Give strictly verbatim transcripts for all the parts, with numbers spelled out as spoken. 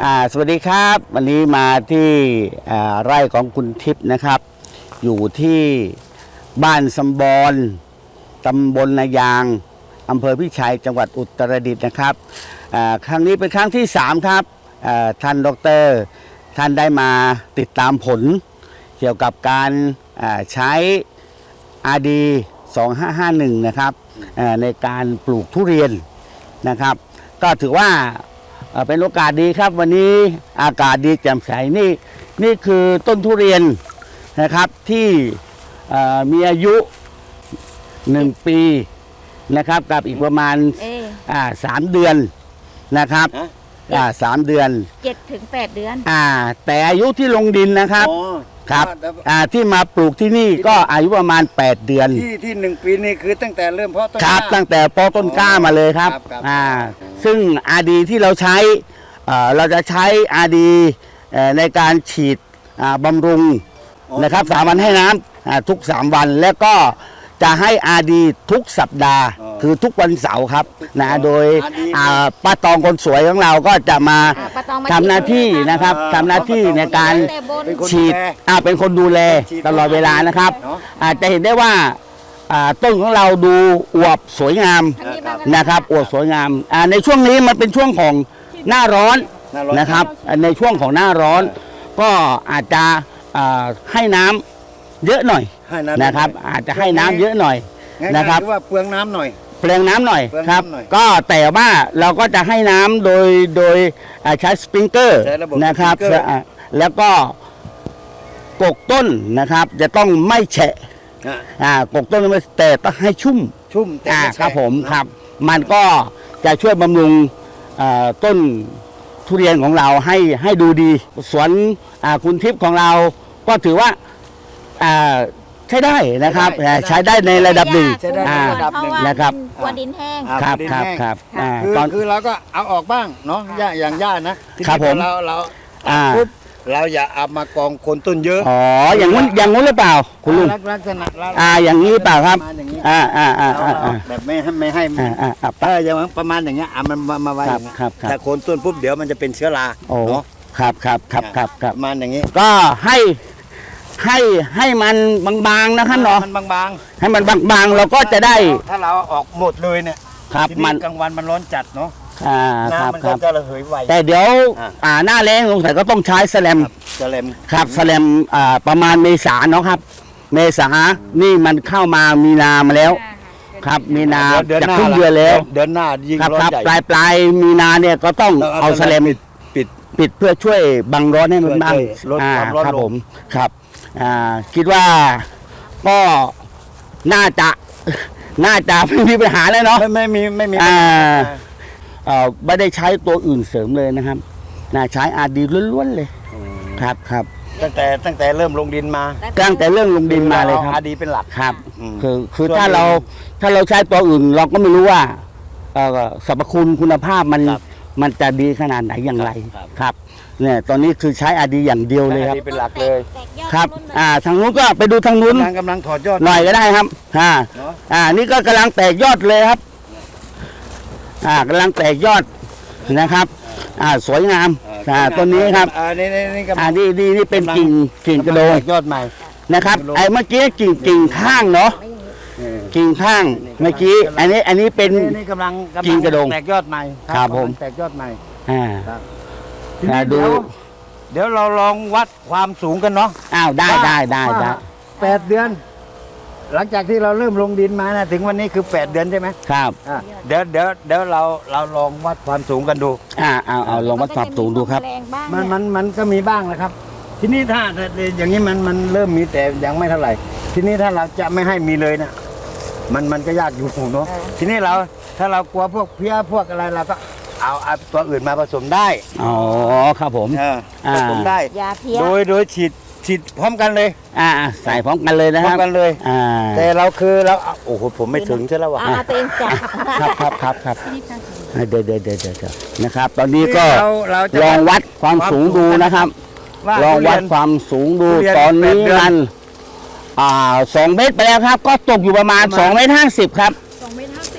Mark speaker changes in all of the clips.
Speaker 1: อ่าสวัสดีครับวันนี้มาที่ไร่ของคุณทิพย์นะครับอยู่ที่บ้านสมบรตำบลนายางอำเภอพิชัยจังหวัดอุตรดิตถ์นะครับครั้งนี้เป็นครั้งที่สามครับท่านดร.ท่านได้มาติดตามผลเกี่ยวกับการใช้ อาร์ ดี สองห้าห้าหนึ่ง นะครับในการปลูกทุเรียนนะครับก็ถือว่าเป็นโอกาสดีครับวันนี้อากาศดีแจ่มใสนี่นี่คือต้นทุเรียนนะครับที่มีอายุหนึ่งปีนะครับกับอีกประมาณอ่าสามเดือนนะครับอ่าสามเดือน
Speaker 2: เจ็ดถึงแปดเดือน
Speaker 1: อ่าแต่อายุที่ลงดินนะครับครับอ่าที่มาปลูกที่นี่ก็อายุประมาณแปดเดือน
Speaker 3: ที่ที่หนึ่งปีนี่คือตั้งแต่เริ่มเพาะต้น
Speaker 1: ครับตั้งแต่เพาะต้นกล้ามาเลยครับอ่าซึ่ง อาร์ ดี ที่เราใช้เราจะใช้ อาร์ ดี ในการฉีดบำรุงนะครับสามวันให้น้ำทุกสามวันแล้วก็จะให้ อาร์ ดี ทุกสัปดาห์คือทุกวันเสาร์ครับนะโดยป้าตองคนสวยของเราก็จะมาทำหน้าที่นะครับทำหน้าที่ในการฉีดเป็นคนดูแลตลอดเวลานะครับอาจจะเห็นได้ว่าต้นของเราดูอวบสวยงามนะครับอวบสวยงามในช่วงนี้มันเป็นช่วงของหน้าร้อนนะครับในช่วงของหน้าร้อนก็อาจจะให้น้ำเยอะหน่อยนะครับอาจจะให้น้ำเยอะหน่อยนะครับ
Speaker 3: ว่าเปลืองน้ำหน่อย
Speaker 1: เปลืองน้ำหน่อยครับก็แต่ว่าเราก็จะให้น้ำโดยโดยใช้สปริงเกอร์นะครับแล้วก็กกต้นนะครับจะต้องไม่แฉะอ่ากกต้นไม่แต่ต้องให้ชุ่ม
Speaker 3: ชุ่ม
Speaker 1: อ่าครับผมครับมันก็จะช่วยบำรุงต้นทุเรียนของเราให้ให้ดูดีสวนคุณทิพย์ของเราก็ถือว่าใช้ได้นะครับใช้ได้ในระดับหนึ่งนะครับ
Speaker 2: กลัวดินแห้ง
Speaker 1: ครับครับครับ
Speaker 3: คือคือเราก็เอาออกบ้างเนาะหญ้าอย่างหญ้านะครับ
Speaker 1: ผม
Speaker 3: เราเราปุ๊บเราอย่าเอามากองคนต้นเยอะ
Speaker 1: อ๋ออย่างนู้นอย่างนู้นหรือเปล่าคุณลุง
Speaker 3: ลักษณะ
Speaker 1: อ่าอย่างนี้เปล่าครับอ่าอ่าอ่า
Speaker 3: แบบไม่ให้ไม่ให้
Speaker 1: อ่าอ่า
Speaker 3: เอออย่างประมาณอย่างเงี้ยอ่ะมันมามาไว้อย่างเงี้ยถ้าโคนต้นปุ๊บเดี๋ยวมันจะเป็นเชื้อราเนาะ
Speaker 1: ครับครับครับครับครับ
Speaker 3: ประมาณอย่างงี้
Speaker 1: ก็ให้ให้ให้มันบางๆนะครับเนาะ
Speaker 3: มันบาง
Speaker 1: ๆให้มันบางๆเราก็จะได้
Speaker 3: ถ้าเราออกหมดเลยเนี่ย
Speaker 1: ครับมัน
Speaker 3: กลางวันมันร้อนจัดเนาะ
Speaker 1: อ่าครับ
Speaker 3: มันก็จะระเหยไว
Speaker 1: แต่เดี๋ยวอ่าหน้าแล้งสงสัยก็ต้องใช้แสลม
Speaker 3: แสลม
Speaker 1: ครับแสลมอ่าประมาณเมษาเนาะครับเมษานี่มันเข้ามามีนามาแล้วครับมีนาจะครึ่งเดือนแล้ว
Speaker 3: เดือนหน้ายิ่งร้อนใหญ่
Speaker 1: ปลายปลายมีนาเนี่ยก็ต้องเอาแสลมปิดปิดเพื่อช่วยบังร้อนให้มันบ้าง
Speaker 3: ลดความร้อน
Speaker 1: ครับผมครับอ่าคิดว่าก็น่าจะน่าจะไม่มีปัญหาแล้วเนาะ
Speaker 3: ไม่ไม่มีไม่มี
Speaker 1: อ่าเอ่อไม่ได้ใช้ตัวอื่นเสริมเลยนะครับน่าใช้ อาร์ ดี ล้วนๆเลยครับครับ
Speaker 3: ตั้งแต่ตั้งแต่เริ่มลงดินมา
Speaker 1: ตั้งแต่เรื่องลงดินมาเลยครับ
Speaker 3: อาร์ ดี เป็นหลัก
Speaker 1: ครับคือคือถ้าเราถ้าเราใช้ตัวอื่นเราก็ไม่รู้ว่าสรรพคุณคุณภาพมันมันจะดีขนาดไหนอย่างไรครับเนี่ยตอนนี้คือใช้ อาร์ ดี อย่างเดียวเลยครับ
Speaker 3: เป็นหลักเลย
Speaker 1: ครับอ่าทางนู้นก็ไปดูทางนู้น
Speaker 3: กำลังถอดยอด
Speaker 1: หน่อยก็ได้ครับอ่าอ่านี่ก็กำลังแตกยอดเลยครับอ่ากำลังแตกยอดนะครับอ่าสวยงามอ่าต้นนี้ครับ
Speaker 3: อ่านี่นี่
Speaker 1: อ่านี่นี่นี่เป็นกิ่งกิ่งกระโดง
Speaker 3: ยอดใหม่
Speaker 1: นะครับไอ้เมื่อกี้กิ่งกิ่งข้างเนาะกิ่งข้างเมื่อกี้อันนี้อันนี้เป็น
Speaker 3: นี่กำลัง
Speaker 1: กิ่งกระโดง
Speaker 3: แตกยอดใหม่
Speaker 1: ครับผม
Speaker 3: แตกยอดใหม่
Speaker 1: อ่าดู
Speaker 3: เดี๋ยวเราลองวัดความสูงกันเนาะ
Speaker 1: อ้าวได้ได้ได้ได้
Speaker 3: แปดเดือนหลังจากที่เราเริ่มลงดินมานะถึงวันนี้คือแปดเดือนใช่ไหม
Speaker 1: ครับ
Speaker 3: เดี๋ยวเดี๋ยวเดี๋ยวเราเราลองวัดความสูงกันดู
Speaker 1: อ่าเอาเอาลองวัดความสูงดูครับ
Speaker 3: มันมันมันก็มีบ้างนะครับทีนี้ถ้าอย่างนี้มันมันเริ่มมีแต่ยังไม่เท่าไหร่ทีนี้ถ้าเราจะไม่ให้มีเลยนะมันมันก็ยากอยู่เนาะทีนี้เราถ้าเรากลัวพวกเพี้ยพวกอะไรเราก็เอาเอาตัวอื่นมาผสมได้
Speaker 1: อ๋อครับผม
Speaker 3: ผสมได้โดยโดยฉีดฉีดพร้อมกันเลย
Speaker 1: อ่าใส่พร้อมกันเลยนะค
Speaker 3: รับพร้อมกันเลย
Speaker 1: อ่า
Speaker 3: แต่เราคือเราโอ้โหผมไม่ถึงใช่แล้ววะ
Speaker 1: ครับครับครับครับเดี๋ยวเดี๋ยวเดี๋ยวเดี๋ยวนะครับตอนนี้ก็ลองวัดความสูงดูนะครับลองวัดความสูงดูตอนนี้มันอ่าสองเมตรไปแล้วครับก็ตกอยู่ประมาณสองเมตรห้าสิบครับ
Speaker 2: สองเมตรห้าสิบนะคะ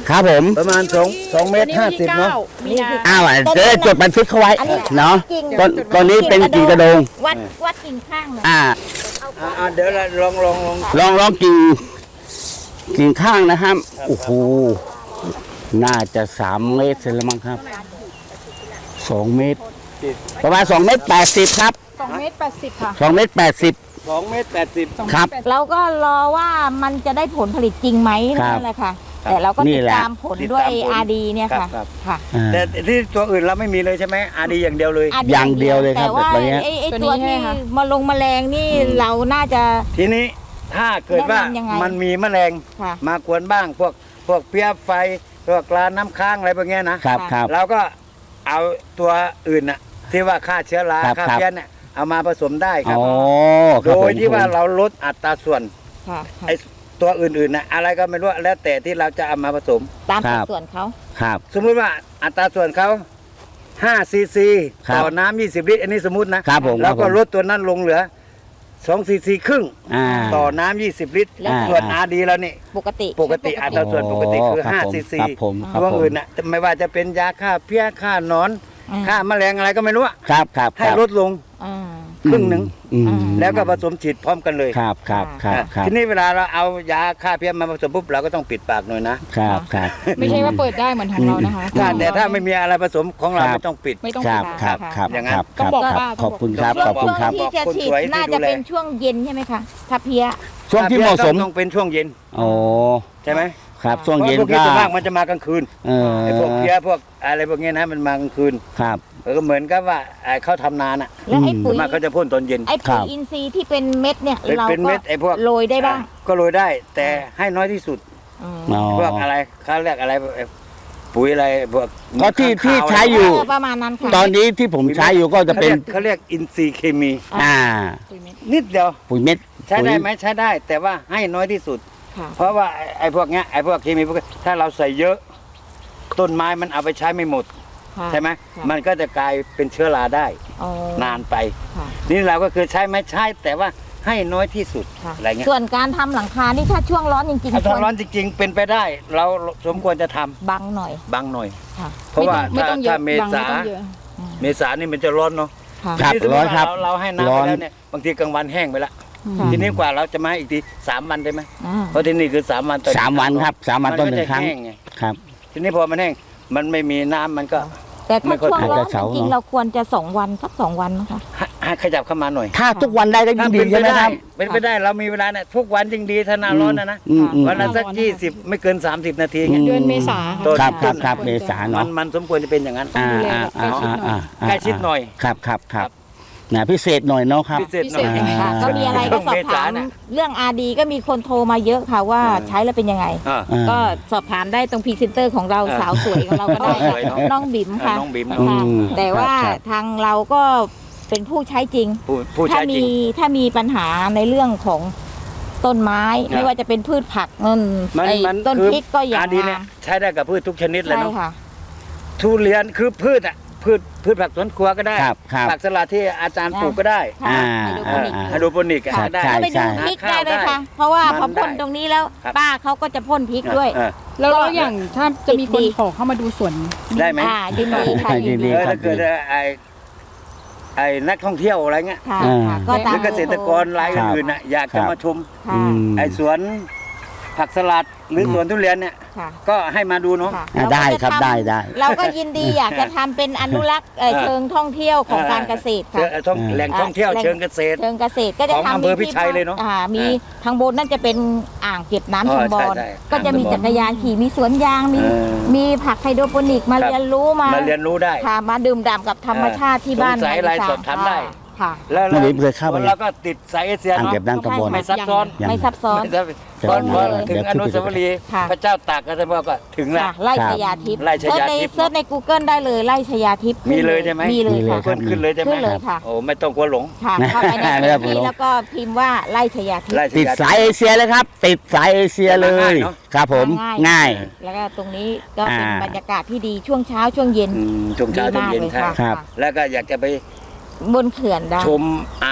Speaker 1: ครับผม
Speaker 3: ประมาณสองสองเมตรห้าสิบเนาะ
Speaker 2: มีนา
Speaker 1: อ้าวจะได้จดบันทึกเขาไว้
Speaker 2: อันนี้
Speaker 1: เนาะ
Speaker 2: กิ่ง
Speaker 1: ต้นต้นนี้เป็นกิ่งกระโดง
Speaker 2: วัดวัดกิ่งข้างเลย
Speaker 1: อ่า
Speaker 3: อ่าอ่าเดี๋ยวเราลองลองลอง
Speaker 1: ลองลองกิ่งกิ่งข้างนะครับโอ้โหน่าจะสามเมตรเสร็จแล้วมั้งครับสองเมตร ประมาณสองเมตรแปดสิบครับ
Speaker 2: สองเมตรแปดสิบค่ะ
Speaker 1: สองเมตรแปดสิบ
Speaker 3: สองเมตรแปดสิบ
Speaker 1: ครับ
Speaker 2: เราก็รอว่ามันจะได้ผลผลิตจริงไหม
Speaker 1: ครับ
Speaker 2: นั่นแหละค่ะ แต่เราก็
Speaker 1: นี่
Speaker 2: ติด
Speaker 1: แหละ
Speaker 2: ตามผลด้วย
Speaker 3: ติดตามผล
Speaker 2: อาร์ดีเนี่ยค่ะ
Speaker 3: ครับ
Speaker 2: ค่ะ
Speaker 1: อ่า
Speaker 3: แต่ที่ตัวอื่นเราไม่มีเลยใช่ไหมอาดีอย่างเดียวเลย
Speaker 2: R D
Speaker 1: อย่างเดียวเลยครับ
Speaker 2: แต่ว่า
Speaker 1: แบบนี้
Speaker 2: ไอ้ไอ้ตัวที่มาลงแมลงนี่เราน่าจะ
Speaker 3: ทีนี้ถ้าเกิดว่า
Speaker 2: แนะนำยังไง
Speaker 3: มันมีแมลง
Speaker 2: ค่ะ
Speaker 3: มากวนบ้าง พวกพวกเพี้ยไฟพวกลาน้ำค้างอะไรพวกเนี้ยนะครับ
Speaker 1: ครับ
Speaker 3: เราก็เอาตัวอื่นน่ะที่ว่าฆ่าเชื้อรา
Speaker 1: ครับ
Speaker 3: ฆ่า
Speaker 1: ครับ
Speaker 3: เพี้ยเนี่ยเอามาผสมได้ครับ
Speaker 1: อ๋อค
Speaker 3: โด
Speaker 1: รับผม
Speaker 3: ยที่ว่าเราลดอัตราส่วน
Speaker 2: ค่ะค่ะ
Speaker 3: ไอ้ตัวอื่นๆนะอะไรก็ไม่รู้แล้วแต่ที่เราจะเอามาผสม
Speaker 2: ตามสัดส่วนเขา
Speaker 1: ครับ
Speaker 3: สมมุติว่าอัตราส่วนเขาห้าซีซี
Speaker 1: ครับ
Speaker 3: ต่อน้ำยี่สิบลิตรอันนี้สมมุตินะครับ
Speaker 1: ผม
Speaker 3: แล้วก็
Speaker 1: ครับผม
Speaker 3: ลดตัวนั้นลงเหลือสองซีซีครึ่ง
Speaker 1: อ่า
Speaker 3: ต่อน้ำยี่สิบลิตร
Speaker 2: แล้ว
Speaker 3: ส่วน
Speaker 1: อ่า
Speaker 3: อาร์ดีแล้วนี่
Speaker 2: ปกติ
Speaker 3: ปกติอัตราส่วนปกติคือ
Speaker 1: รับ
Speaker 3: ห้า
Speaker 1: ผม
Speaker 3: ซีซี
Speaker 1: ครับผมครับ
Speaker 3: ตัว
Speaker 1: ผม
Speaker 3: อื่นน่ะไม่ว่าจะเป็นยาฆ่าเพี้ยฆ่าหนอน
Speaker 2: อืม
Speaker 3: ฆ่าแมลงอะไรก็ไม่รู้อะ
Speaker 1: ครับครับ
Speaker 3: ให้
Speaker 1: ครับ
Speaker 3: ลดลง
Speaker 2: อ่า
Speaker 3: ครึ่งหนึ่ง
Speaker 1: อืม
Speaker 3: แล้วก็ผสมฉีดพร้อมกันเลย
Speaker 1: ครับครับครับครับ
Speaker 3: ทีนี้เวลาเราเอายาฆ่าเพี้ยมาผสมปุ๊บเราก็ต้องปิดปากหน่อยนะครับ
Speaker 1: ครับ
Speaker 4: ไม่ใช่ว่าเปิดได้เหมือนของเรานะคะ
Speaker 3: ถ้าแต่ถ้าไม่มีอะไรผสมของเรา
Speaker 1: ครับ
Speaker 3: ไม่ต้องปิด
Speaker 4: ไม่ต้อง
Speaker 1: ครับ
Speaker 4: ปิด
Speaker 1: ครับครับ
Speaker 3: อย่างนั้
Speaker 1: คน รับ
Speaker 4: ต้องบอก
Speaker 1: ครับ
Speaker 4: ว่า
Speaker 1: ขอบคุณครับ
Speaker 3: ต้อง
Speaker 1: ขอบคุณครับ
Speaker 3: บอก
Speaker 2: ที่จะ
Speaker 3: คน
Speaker 2: ฉีด
Speaker 3: สวยที่
Speaker 2: น่า
Speaker 3: ดู
Speaker 2: จะ
Speaker 3: แล
Speaker 2: เป็นช่วงเย็นใช่ไหมคะถ้าเพี้ย
Speaker 1: ช่วงที่เหมาะสม
Speaker 3: ต้องเป็นช่วงเย็น
Speaker 1: โอ้
Speaker 3: ใช่ไหม
Speaker 1: ครับช่วง
Speaker 3: เพราะ
Speaker 1: เย็น
Speaker 3: พวกนี้
Speaker 1: ก็
Speaker 3: ส่วนมากมันจะมากลางคืน
Speaker 1: เออ
Speaker 3: ไอ้พวกเพี้ยพวกอะไรพวกนี้นะมันมากลางคืน
Speaker 1: ครับ
Speaker 3: เออเหมือนกับว่าไอ้เขาทำนาน่ะ
Speaker 2: แล้วไอ้
Speaker 1: อืม
Speaker 2: ปุ๋
Speaker 3: ส่วย นมากเขาจะพ่นตอนเย็น
Speaker 2: ไอ้
Speaker 1: ครั
Speaker 2: ปุ๋ย
Speaker 1: บ
Speaker 2: อินทรีย์ที่เป็นเม็ดเนี่ย
Speaker 3: เป็น
Speaker 2: เรา
Speaker 3: เป็น
Speaker 2: ก็
Speaker 3: เม็ดไอ้พวก
Speaker 2: โรยได้บ้าง
Speaker 3: ก็โรยได้ แต่ให้น้อยที่สุด
Speaker 2: อืม
Speaker 1: อ๋อ
Speaker 3: พวกอะไรเขาเรียกอะไรไอ้ปุ๋ยอะไรพวก
Speaker 1: ก็ที่ที่
Speaker 3: ข้าว
Speaker 1: ใช้อยู่
Speaker 2: เประมาณนั้นค่ะ
Speaker 1: ตอนนี้ที่ผมใช้อยู่ก็จะเป็น
Speaker 3: เขาเรียกอินทรีย์เคมี
Speaker 1: อ่า
Speaker 3: นิดเดียว
Speaker 1: ปุ๋ยเม็ด
Speaker 3: ใช้ได้
Speaker 1: ปุ๋ย
Speaker 3: ไหมใช้ได้ แต่ว่าให้น้อยที่สุด
Speaker 2: ค่ะ
Speaker 3: เพราะว่าไอ้ไอ้พวกเนี้ยไอ้พวกเคมีพวกถ้าเราใส่เยอะ ต้นไม้มันเอาไปใช้ไม่หมด
Speaker 2: ค่ะ
Speaker 3: ใช่ไหม
Speaker 2: ค่ะ
Speaker 3: มันก็จะกลายเป็นเชื้อราได้
Speaker 2: อ๋อน
Speaker 3: านไป
Speaker 2: ค่ะ
Speaker 3: นี่เราก็คือใช้ไหมใช้แต่ว่าให้น้อยที่สุด
Speaker 2: ค่ะ
Speaker 3: อะไรเงี้ย
Speaker 2: ส่วนการทำหลังคานี่ถ้าช่วงร้อนจริง
Speaker 3: ถ้า
Speaker 2: ๆคว
Speaker 3: ร้อนจริง ๆ เป็นไปได้ เราสมควรจะทำ
Speaker 2: บังหน่อย
Speaker 3: บางหน่อย
Speaker 2: ค่ะ
Speaker 3: เพราะว่า
Speaker 4: ไม่
Speaker 3: ถ้า
Speaker 4: ต้องเย
Speaker 3: ถ้า
Speaker 4: อะ
Speaker 3: เม
Speaker 4: บาง
Speaker 3: ษา
Speaker 4: ไม่ต้องเยอะ
Speaker 3: เมษานี่มันจะร้อนเนาะ
Speaker 2: ค่ะ
Speaker 1: ครับ
Speaker 3: ที่สมมุ
Speaker 1: ร้อ
Speaker 3: ติ
Speaker 1: น
Speaker 3: ว่า
Speaker 1: ครับ
Speaker 3: เราเราให้น้ำ
Speaker 1: ร้
Speaker 3: ไป
Speaker 1: อน
Speaker 3: แล้วเนี่ยบางทีกลางวันแห้งไปละ
Speaker 2: ค่ะ
Speaker 3: ทีนี้กว่าเราจะมาอีกทีสามวันได้ไหม
Speaker 2: อ่า
Speaker 3: เพราะที่นี่คือสามวันต่อ
Speaker 1: สามวันครับสามวันต้นหนึ่ง
Speaker 3: มัก็จะ
Speaker 1: ครั้ง
Speaker 3: แห้ไง
Speaker 1: ครับ
Speaker 3: ทีนี้พอมันแห้งมันไม่มีน้ำมันก็
Speaker 2: แต่
Speaker 3: ไม่
Speaker 2: ถ้า
Speaker 3: ค่อย
Speaker 2: ช่วงร้อน
Speaker 1: อาจจะเสา
Speaker 2: จริง
Speaker 1: เนอะ
Speaker 2: ๆเราควรจะสองวันสักสองวันนะคะ
Speaker 3: ให้ให้ขยับเข้ามาหน่อย
Speaker 1: ถ้าทุกวันได้ก็ยิ่
Speaker 3: ถ้าง
Speaker 1: ดี
Speaker 3: เป็นไป
Speaker 1: ใช่ไหม
Speaker 3: ได้
Speaker 1: ครับ
Speaker 3: เป็นไปได้เรามีเวลาเนี่ยทุกวันยิ่งดีถ้าหน้าร้อนนะนะ
Speaker 1: อืมอืม
Speaker 3: วันละสัก
Speaker 4: ร้อนนะคะ
Speaker 3: ยี่สิบไม่เกินสามสิบนาทีเงี้ย
Speaker 4: เดือนเมษา
Speaker 3: ต้น
Speaker 1: ครับค
Speaker 3: ต้
Speaker 1: รับ
Speaker 3: น
Speaker 1: ครับเมษา
Speaker 3: มั
Speaker 1: เนาะ
Speaker 3: นมันสมควรจะเป็นอย่างนั้น
Speaker 1: อ่า
Speaker 4: ดูแล
Speaker 1: อ่า
Speaker 4: แบบ
Speaker 1: อ่า
Speaker 4: ใกล้ชิดหน่อย
Speaker 1: อ่าอ่า
Speaker 3: ใกล้ชิดหน่อย
Speaker 1: ครับครับครับนะพิเศษหน่อยเนาะครับ
Speaker 3: พิเศษหน่อย
Speaker 4: พิเศษ
Speaker 2: ค่ะก็มีอะไรก็สอบถาม
Speaker 3: เมษาน่ะ
Speaker 2: เรื่อง อาร์ ดี ก็มีคนโทรมาเยอะค่ะว่า
Speaker 3: เออ
Speaker 2: ใช้แล้วเป็นยังไง
Speaker 3: อ่า
Speaker 1: อ่า
Speaker 2: ก็สอบถามได้ตรงพรีเซนเตอร์ของเรา
Speaker 3: เออ
Speaker 2: สาวสวยของเราก็ได้
Speaker 3: สวยเนอะ
Speaker 2: น้องบิ๋มค่ะ
Speaker 3: น้องบิ๋ม
Speaker 2: ค่ะ
Speaker 3: เนอะ
Speaker 1: อืม
Speaker 2: แต่ว่า
Speaker 1: ครับ
Speaker 2: ทางเราก็เป็นผู้ใช้จริง
Speaker 3: ผู้ผู้
Speaker 2: ถ้า
Speaker 3: ใช้จ
Speaker 2: มี
Speaker 3: ริง
Speaker 2: ถ้ามีปัญหาในเรื่องของต้นไม้
Speaker 3: ครับ
Speaker 2: ไม่ว่าจะเป็นพืชผักเงิน
Speaker 3: มัน
Speaker 2: ไอ้
Speaker 3: มัน
Speaker 2: ต้น
Speaker 3: คือ
Speaker 2: พริกก็อย่า
Speaker 3: อาง ดีเนี่ย
Speaker 2: มา
Speaker 3: ใช้ได้กับพืชทุกชนิดเลย
Speaker 2: ใช่
Speaker 3: เนาะ
Speaker 2: ค่ะ
Speaker 3: ทุเรียนคือพืชอ่ะพืชพืชผักสวนครัวก็ได้
Speaker 1: ครับครับ
Speaker 3: ผักสลัดที่อาจารย์ปลูกก็ได้
Speaker 2: ค่ะ
Speaker 1: อ่า
Speaker 2: ไฮโดร
Speaker 1: อ่า
Speaker 2: โปนิก
Speaker 3: ไฮโดรโปนิก
Speaker 1: ครับ
Speaker 3: ได้
Speaker 1: ใช่
Speaker 2: ก็ไปดูพริกได้เลยค่ะ เพราะว่าพอพ่นตรงนี้แล้ว
Speaker 3: ครับ
Speaker 2: ป้าเขาก็จะพ่นพริกด้วย
Speaker 3: เออ
Speaker 4: แล้วแล้วอย่างถ้าจะมีคน
Speaker 2: ดี
Speaker 4: ขอเข้ามาดูสวน
Speaker 3: ได้ไหม
Speaker 2: อ่ายินดีค่ะ
Speaker 1: ยิ
Speaker 2: ยิน
Speaker 1: นดี
Speaker 2: ดี
Speaker 3: เออ
Speaker 1: ครับ
Speaker 3: ถ้าเกิดไอ้ไอ้นักท่องเที่ยวอะไรเงี้ย
Speaker 2: ค่ะ
Speaker 1: อ่า
Speaker 2: ค่ะ
Speaker 3: ห
Speaker 2: ก็ตา
Speaker 3: รื
Speaker 2: ม
Speaker 3: อเกษตรกรรายอื่นๆน่ะอยาก
Speaker 1: ครั
Speaker 3: จะ
Speaker 1: บ
Speaker 3: มาชม
Speaker 2: ค่ะ
Speaker 1: อืม
Speaker 3: ไอ้สวนผักสลัดหรือสวนทุเรียนเนี่ย
Speaker 2: ค่ะ
Speaker 3: ก็ให้มาดูเนาะ
Speaker 2: ค่ะ
Speaker 1: อ่าได้ครับ
Speaker 2: เาก็จะทำ
Speaker 1: ได้ได้
Speaker 2: เราก็ยินดีอยากจะทำเป็นอนุรักษ์เอ่อ
Speaker 3: อ่า
Speaker 2: เชิงท่องเที่ยวของการเกษตร
Speaker 3: เชิ
Speaker 2: ค่ะ
Speaker 3: งเอ่อท่อง
Speaker 1: อ่า
Speaker 3: แหล่งท่องเที่ยว
Speaker 2: แหล่ง
Speaker 3: เชิงเกษตร
Speaker 2: เชิงเกษตรก็จะ
Speaker 3: ของ
Speaker 2: ทำ
Speaker 3: อำเภอพิชัยเลยเนอะ
Speaker 2: อ่ามี
Speaker 3: อ่า
Speaker 2: ทางบนนั่นจะเป็นอ่างเก็บน้ำ
Speaker 3: อ๋อ
Speaker 2: ชุมบอล
Speaker 3: ใช่ใช่
Speaker 2: ก็จะมี
Speaker 3: อ่างชุมบอล
Speaker 2: จักรยานขี่มีสวนยางมี
Speaker 3: เออ
Speaker 2: มีผักไฮโดรโปนิกมา
Speaker 3: ครับ
Speaker 2: เรียนรู้มา
Speaker 3: มาเรียนรู้ได้
Speaker 2: ค่ะมาดื่มด่ำกับธรรมชาติที่บ้าน
Speaker 3: สงสัยอะไร
Speaker 2: ใน
Speaker 3: สอบถามได้
Speaker 2: ค่ะ
Speaker 3: แล้ว
Speaker 1: น้องบิ๋มเคยเข้าไป
Speaker 3: แล้วก็ติดสายเอเชีย
Speaker 1: อ่าง
Speaker 3: เนาะ
Speaker 1: เก็บน้ำตำบล
Speaker 3: ไม่ซับซ้อน
Speaker 1: ยัง
Speaker 2: ไม่ซับซ้อน
Speaker 3: ไม่ซับ
Speaker 1: จะ
Speaker 3: ตอนพอ
Speaker 1: เดี๋ยว
Speaker 3: ถึงอนุสาวรีย์
Speaker 2: ค่ะ
Speaker 3: พระเจ้าตากก็จะบอกว่าถึงแล้ว
Speaker 2: ค่ะไล่ชยาทิพย์
Speaker 3: ไล่ชยาทิพย์
Speaker 2: เซิร์ชใน Google ได้เลยไล่ชยาทิพย์
Speaker 3: มีเลยใช่ไหม
Speaker 2: มีเลยค่ะ
Speaker 3: ขึ้นขึ้นเลยใช่ไหม
Speaker 2: ขึ้นเลยค่ะ
Speaker 3: โอ้ไม่ต้องกลัวหลง
Speaker 2: ค่ะเข้าไปใน
Speaker 1: ไม่
Speaker 2: พื้
Speaker 1: ต้อน ง
Speaker 2: ที่
Speaker 1: กลัว
Speaker 2: แล้วก็พิมพ์ว่าไล่ชยาทิพ
Speaker 3: ไล่
Speaker 2: ย์
Speaker 3: ช
Speaker 1: ติด
Speaker 3: ยา
Speaker 1: สายเอเชียเลยครับ ติดสายเอเชียเล
Speaker 3: ง่าย
Speaker 1: ย
Speaker 3: เนอะ
Speaker 1: ครับผมง่าย
Speaker 2: แล้วก็ตรงนี้ก็เป็น
Speaker 1: อ่า
Speaker 2: บรรยากาศที่ดีช่วงเช้าช่วงเย็น
Speaker 3: อืมช่วงเช้าช่วงเย็น
Speaker 2: ดีมากเลย
Speaker 3: ใช่
Speaker 2: ค่ะ
Speaker 1: ครับ
Speaker 3: แล้วก็อยากจะไป
Speaker 2: บนเขื่อนได้
Speaker 3: ชมอ่าง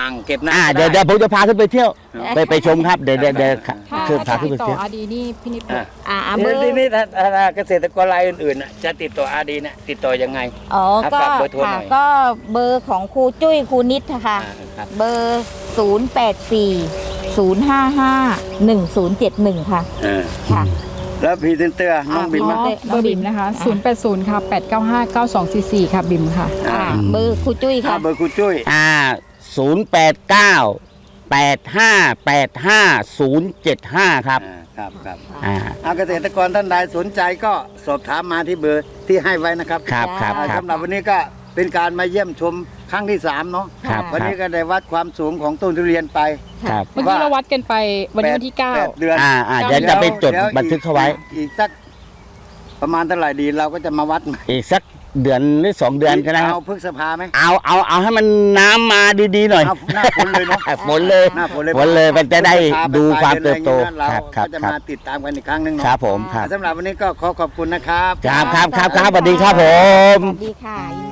Speaker 3: อ่างเก็บน้ำ
Speaker 1: อ่า
Speaker 3: ก็
Speaker 1: เดี๋ยวเดี๋ยวผมจะพาขึ้นไปเที่ยว ไปไปชมครับเดี๋ยวเดี๋ยวเดี๋ยว
Speaker 4: ถ้า
Speaker 1: คือพา
Speaker 4: ถ้า
Speaker 1: ขึ้น
Speaker 4: ติ
Speaker 1: ไป
Speaker 4: ดต่อ
Speaker 1: เที่ยว
Speaker 4: อาดีนี่พี่นิด
Speaker 3: อ่ะ
Speaker 2: อ่าเบ
Speaker 3: เดี๋
Speaker 2: อ
Speaker 3: ยว
Speaker 2: ร์
Speaker 3: ทีนี้ถ้าถ้าเกษตรกรรายอื่นๆน่ะจะติดต่ออาดีเนี่ยติดต่อยังไง
Speaker 2: อ๋อ
Speaker 3: ครับ
Speaker 2: ก็
Speaker 3: ฝากเบอร์โทรหน่
Speaker 2: ค่ะ
Speaker 3: อย
Speaker 2: ก็เบอร์ของครูจุ้ยครูนิดค่ะ
Speaker 3: อ่าครับ
Speaker 2: เบอร์ ศูนย์ แปด สี่ ศูนย์ ห้า ห้า หนึ่ง ศูนย์ เจ็ด หนึ่ง ค่ะ
Speaker 3: เออ
Speaker 2: ค่ะ
Speaker 3: แล้วพรีเซนเตอร์น้อง
Speaker 2: อ่า
Speaker 3: บิม
Speaker 4: อ๋อ
Speaker 3: อะ
Speaker 4: เบอร์บิมนะคะ ศูนย์ แปด ศูนย์ ค่ะ แปด เก้า ห้า เก้า สอง สี่ สี่ ค่ะ บิมค่ะ
Speaker 2: อ่าเบอร์ครูจุ้ย
Speaker 3: อ่า
Speaker 2: ค่ะ
Speaker 3: เบอร์คุณจุ้ย
Speaker 1: อ่าศูนย์แปดเก้าแปดห้าแปดห้าศูนย์เจ็ดห้าครับ
Speaker 3: อ่าครับครับ
Speaker 1: อ่า
Speaker 3: เอาเกษตรกรท่านใดสนใจก็สอบถามมาที่เบอร์ที่ให้ไว้นะครับ
Speaker 1: ครับครับ
Speaker 3: อ่า
Speaker 1: ครับ
Speaker 3: สำหรับวันนี้ก็เป็นการมาเยี่ยมชมครั้งที่สามเนาะ
Speaker 1: ครับ
Speaker 3: วันนี้ก็ได้วัดความสูงของต้นทุเรียนไป
Speaker 1: ครับ
Speaker 4: เมื่อกี้เราวัดกันไปวันนี้วันที่เก้า
Speaker 3: แปดเดือน
Speaker 1: อ่าอ่าเดี๋ยวจะไปจด
Speaker 3: ยว
Speaker 1: บันทึกเข้าไว้
Speaker 3: อีกสักประมาณเท่าไหร่ดีเราก็จะมาวัดใหม่
Speaker 1: อีกสักเดือนหรือสองเดือนก็ได้ครับ
Speaker 3: เอาพฤษภาไหม
Speaker 1: เอาเอาเอาให้มันน้ำมาดีๆหน่อย
Speaker 3: เอาหน้าฝนเลยเนาะ
Speaker 1: ฝนเลย
Speaker 3: หน้าฝนเลย
Speaker 1: ฝนเลยมันจะได้ดูความเติบโต
Speaker 3: เรา
Speaker 1: ครับครับ
Speaker 3: ก็จะ
Speaker 1: ครับ
Speaker 3: มาติดตามกันอีกครั้งหนึง
Speaker 1: ค
Speaker 3: เนาะ
Speaker 1: รับผมครับ
Speaker 3: สำหรับวันนี้ก็ขอขอบคุณนะครับ
Speaker 1: ครับครับครับครับสวัสดีครับผม
Speaker 2: สวัสดีค่ะ